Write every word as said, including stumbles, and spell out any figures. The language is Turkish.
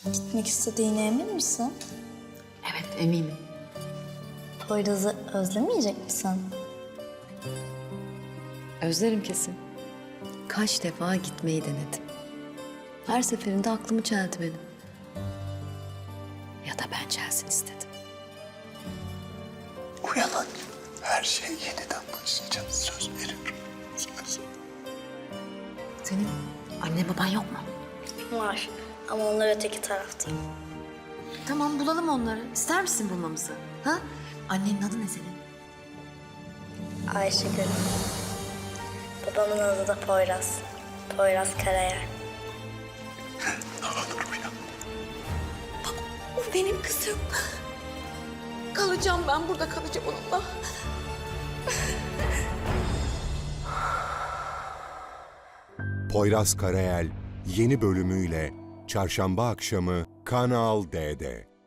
Gitmek istediğine emin misin? Evet, eminim. Poyraz'ı özlemeyecek misin? Özlerim kesin. Kaç defa gitmeyi denedim. Her seferinde aklımı çeldi benim. Ya da ben çelsin istedim. Uyanın. Her şey yeniden başlayacağız. Söz veriyorum. Söz. Senin anne baban yok mu? Var ama onlar öteki tarafta. Tamam, bulalım onları. İster misin bulmamızı? Ha? Annenin adı ne senin? Ayşegül. Babamın adı da Poyraz. Poyraz Karayel. Ne olur uyan. O benim kızım. Kalacağım ben burada, kalacağım onunla. Poyraz Karayel yeni bölümüyle Çarşamba akşamı Kanal D'de.